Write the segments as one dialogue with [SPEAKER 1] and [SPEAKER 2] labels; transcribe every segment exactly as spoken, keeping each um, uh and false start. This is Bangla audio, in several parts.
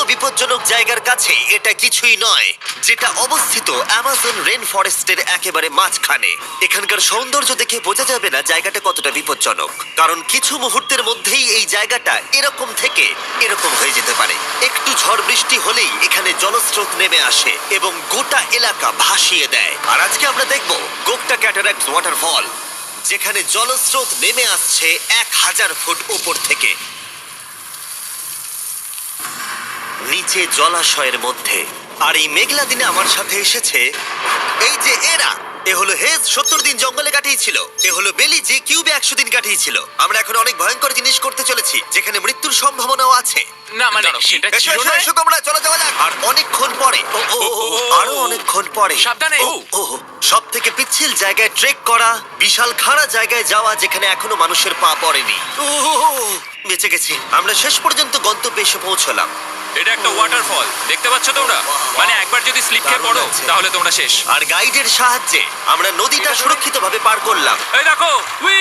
[SPEAKER 1] বিপজ্জনক জায়গার কাছে এটা কিছুই নয়, যেটা অবস্থিত অ্যামাজন রেন ফরেস্টের একেবারে মাঝখানে। এখানকার সৌন্দর্য দেখে বোঝা যাবে না জায়গাটা কতটা বিপজ্জনক, কারণ কিছু মুহূর্তের মধ্যেই এই জায়গাটা এরকম থেকে এরকম হয়ে যেতে পারে। একটু ঝড় বৃষ্টি হলেই এখানে জলস্রোত নেমে আসে এবং গোটা এলাকা ভাসিয়ে দেয়। আর আজকে আমরা দেখব গোকটা ক্যাটারাক্ট ওয়াটারফল, যেখানে জলস্রোত নেমে আসছে এক হাজার ফুট উপর থেকে নিচে জলাশয়ের মধ্যে। আর এই মেঘলা দিনে আমার সাথে এসেছে এই যে এরা। এ হলো হেজ, সত্তর দিন জঙ্গলে কাটিয়েছিল। এ হলো বেলি, যে কিউবে একশো দিন কাটিয়েছিল। আমরা এখন অনেক ভয়ঙ্কর জিনিস করতে চলেছি, যেখানে মৃত্যুর সম্ভাবনাও আছে।
[SPEAKER 2] না মানে সেটা
[SPEAKER 1] এসো,
[SPEAKER 2] ছিল
[SPEAKER 1] এসো,
[SPEAKER 2] না।
[SPEAKER 1] এসো তোমরা, চলো যাওয়া যাক। আর অনেকক্ষণ পরে ও ও ও, ও, আরো অনেকক্ষণ পরে
[SPEAKER 2] সাবধানে।
[SPEAKER 1] ও ও সব থেকে পিচ্ছিল জায়গায় ট্রেক করা, বিশাল খাড়া জায়গায় যাওয়া যেখানে এখনো মানুষের পা পড়েনি। ও, ও, ও, ও, বেঁচে গেছি আমরা। শেষ পর্যন্ত গন্তব্যে এসে পৌঁছলাম।
[SPEAKER 2] এটা একটা ওয়াটারফল, দেখতে পাচ্ছ তোমরা? মানে একবার যদি স্লিপ খেয়ে
[SPEAKER 1] দারুণ
[SPEAKER 2] পড়ো
[SPEAKER 1] লাগছে।
[SPEAKER 2] তাহলে তোমরা শেষ।
[SPEAKER 1] আর গাইডের সাহায্যে আমরা নদীটা সুরক্ষিতভাবে পার করলাম।
[SPEAKER 2] এই দেখো, উই!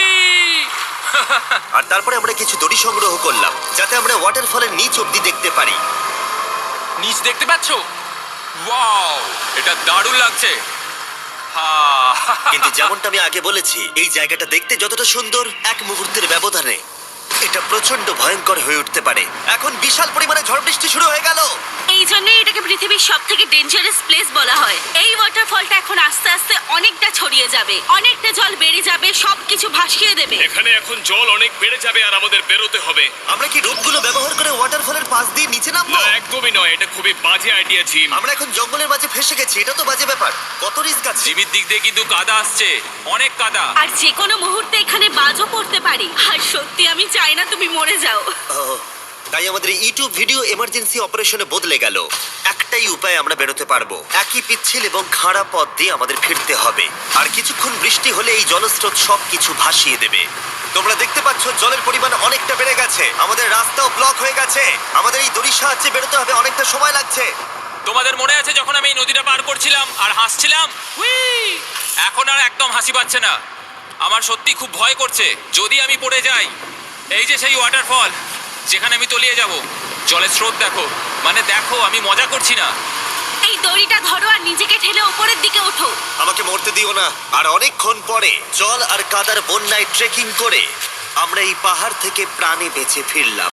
[SPEAKER 1] আর তারপরে আমরা কিছু দড়ি সংগ্রহ করলাম, যাতে আমরা ওয়াটারফলের নিচ অব্দি দেখতে পারি।
[SPEAKER 2] নিচ দেখতে পাচ্ছ? ওয়াও, এটা দারুণ লাগছে। হা!
[SPEAKER 1] কিন্তু যেমনটা আমি আগে বলেছি, এই জায়গাটা দেখতে যতটা সুন্দর, এক মুহূর্তের ব্যবধানে এটা প্রচন্ড ভয়ঙ্কর হয়ে উঠতে পারে। এখন বিশাল পরিমাণে ঝড় বৃষ্টি শুরু হয়ে গেল।
[SPEAKER 3] এই জন্যই এটাকে পৃথিবীর সব থেকে ডেঞ্জারাস প্লেস বলা হয়। এই ওয়াটারফলটা এখন আস্তে আস্তে অনেকটা ছড়িয়ে যাবে, অনেকটা জল বেড়ে যাবে, সবকিছু ভাসিয়ে দেবে।
[SPEAKER 4] এখানে এখন জল অনেক বেড়ে যাবে আর আমাদের বেরোতে হবে।
[SPEAKER 1] আমরা কি রূপগুলো ব্যবহার করে ওয়াটারফলের পাশ দিয়ে নিচে নামবো?
[SPEAKER 4] না, একদমই নয়, এটা খুবই বাজে আইডিয়া জিম।
[SPEAKER 1] আমরা এখন জঙ্গলের মাঝে ফেসে গেছি, এটা তো বাজে ব্যাপার। কত রিস্ক আছে।
[SPEAKER 2] জিমির দিক দিয়ে কিন্তু কাদা আসছে, অনেক কাদা।
[SPEAKER 3] আর যে কোনো মুহূর্তে এখানে বাজও পড়তে পারি। আর সত্যি আমি চাই না তুমি মরে যাও।
[SPEAKER 1] ও, তাই আমাদের ইউটিউব ভিডিও এমার্জেন্সি অপারেশনে বদলে গেল। একটাই উপায় আমরা বেরোতে পারবো, একই পিচ্ছিল এবং খাড়া পথ দিয়ে আমাদের ফিরতে হবে। আর কিছুক্ষণ বৃষ্টি হলে এই জলস্রোত সবকিছু ভাসিয়ে দেবে। তোমরা দেখতে পাচ্ছ জলের পরিমাণ অনেকটা বেড়ে গেছে, আমাদের রাস্তাও ব্লক হয়ে গেছে। আমাদের এই দড়ির সাহায্যে বেরোতে হবে, অনেকটা সময় লাগছে।
[SPEAKER 2] তোমাদের মনে আছে যখন আমি এই নদীটা পার করছিলাম আর হাসছিলাম? উই! এখন আর একদম হাসি পাচ্ছে না। আমার সত্যি খুব ভয় করছে, যদি আমি পড়ে যাই। এই যে সেই ওয়াটারফল, যেখানে আমি তলিয়ে যাব। জলের স্রোত দেখো, মানে দেখো, আমি মজা করছি না।
[SPEAKER 3] এই দড়িটা ধরো আর নিজেকে ঠেলে ওপরের দিকে ওঠো।
[SPEAKER 1] আমাকে মরতে দিও না। আর অনেকক্ষণ পরে জল আর কাদার বন্যায় ট্রেকিং করে আমরা এই পাহাড় থেকে প্রাণে বেঁচে ফিরলাম।